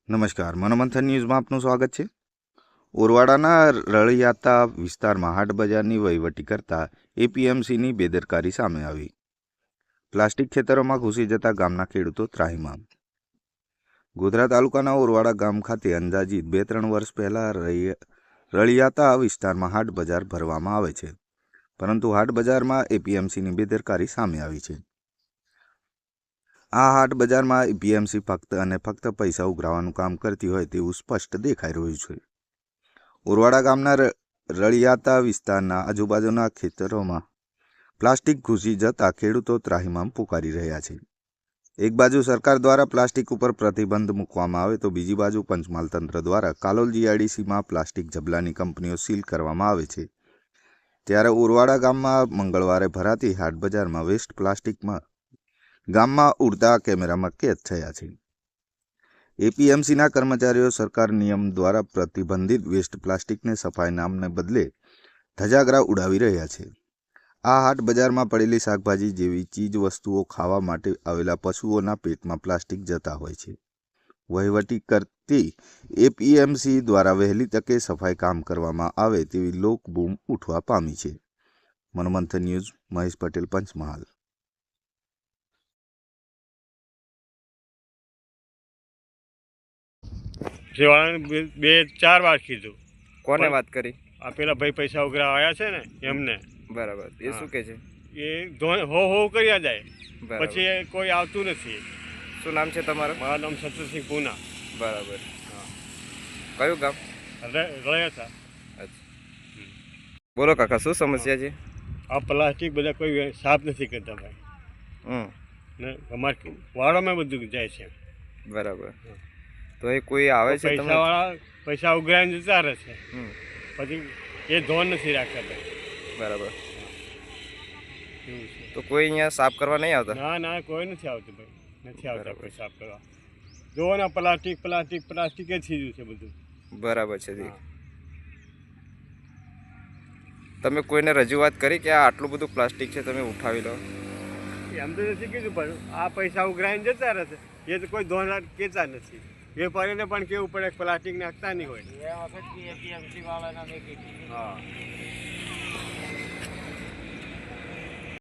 નમસ્કાર, મનોમંથન ન્યૂઝમાં આપનું સ્વાગત છે। ઓરવાડાના રળિયાતા વિસ્તારમાં હાટ બજારની વહીવટી કરતા એપીએમસીની બેદરકારી સામે આવી। પ્લાસ્ટિક ખેતરોમાં ઘૂસી જતા ગામના ખેડૂતો ત્રાહિમામ। ગોધરા તાલુકાના ઓરવાડા ગામ ખાતે અંદાજિત 2-3 વર્ષ પહેલા રળિયાતા વિસ્તારમાં હાટ બજાર ભરવામાં આવે છે, પરંતુ હાટ બજારમાં એપીએમસીની બેદરકારી સામે આવી છે। આ હાટ બજારમાં એપીએમસી ફક્ત અને ફક્ત પૈસા ઉઘરાવવાનું કામ કરતી હોય તેવું સ્પષ્ટ દેખાઈ રહ્યું છે। ઓરવાડા ગામના રળિયાતા વિસ્તારના આજુબાજુના ખેતરોમાં પ્લાસ્ટિક ઘૂસી જતા ખેડૂતો ત્રાહિમામ પુકારી રહ્યા છે। એક બાજુ સરકાર દ્વારા પ્લાસ્ટિક ઉપર પ્રતિબંધ મૂકવામાં આવે તો બીજી બાજુ પંચમહાલ તંત્ર દ્વારા કાલોલ જીઆઈડીસીમાં પ્લાસ્ટિક જબલાની કંપનીઓ સીલ કરવામાં આવે છે। ત્યારે ઓરવાડા ગામમાં મંગળવારે ભરાતી હાટ બજારમાં વેસ્ટ પ્લાસ્ટિકમાં ગામમાં ઉડતા કેમેરામાં કેદ થયા છે। એપીએમસીના કર્મચારીઓ સરકાર નિયમ દ્વારા પ્રતિબંધિત વેસ્ટ પ્લાસ્ટિકને સફાઈ નામને બદલે ધજાગરા ઉડાવી રહ્યા છે। આ હાટ બજારમાં પડેલી શાકભાજી જેવી ચીજ વસ્તુઓ ખાવા માટે આવેલા પશુઓના પેટમાં પ્લાસ્ટિક જતા હોય છે। વહીવટી કરતી એપીએમસી દ્વારા વહેલી તકે સફાઈ કામ કરવામાં આવે તેવી લોકબૂમ ઉઠવા પામી છે। મનોમંથન ન્યૂઝ, મહેશ પટેલ, પંચમહાલ। જેવાળાને બે ચાર વાર કીધું। કોને વાત કરી? આ પેલા ભાઈ પૈસા ઉઘરા આવ્યા છે ને એમને। બરાબર, એ શું કહે છે? એ હો કર્યા જાય, બરાબર। પછી કોઈ આવતું નથી। શું નામ છે તમારું? મારું નામ સતરસિંહ પૂના। બરાબર, હા, કયું ગામ? રહ્યા હતા। અચ્છા, બોલો કાકા, શું સમસ્યા છે? આ પ્લાસ્ટિક બધા કોઈ સાફ નથી કરતા ભાઈ, ને અમારે વાળામાં બધું જાય છે। બરાબર, તો એ કોઈ આવે છે? પૈસાવાળા પૈસા ઉઘરાઈને જતા રહે છે, પછી એ ધોન નથી રાખતા ભાઈ। બરાબર, એવું છે। તો કોઈ અહીંયા સાફ કરવા નહીં આવતા? ના ના, કોઈ નથી આવતું ભાઈ, નથી આવતા કોઈ સાફ કરવા। જોવો ને, પ્લાસ્ટિક પ્લાસ્ટિક પ્લાસ્ટિક જ થઈ ગયું છે બધું। બરાબર છે જી। તમે કોઈને રજૂઆત કરી કે આ આટલું બધું પ્લાસ્ટિક છે, તમે ઉઠાવી લો? એમ તો નથી કીધું, પણ આ પૈસા ઉઘરાઈને જતા રહેશે, એ તો કોઈ ધોન કહેતા નથી। વેપારીને પણ કેવું પડે પ્લાસ્ટિક નાખતા નહીં હોય। હા।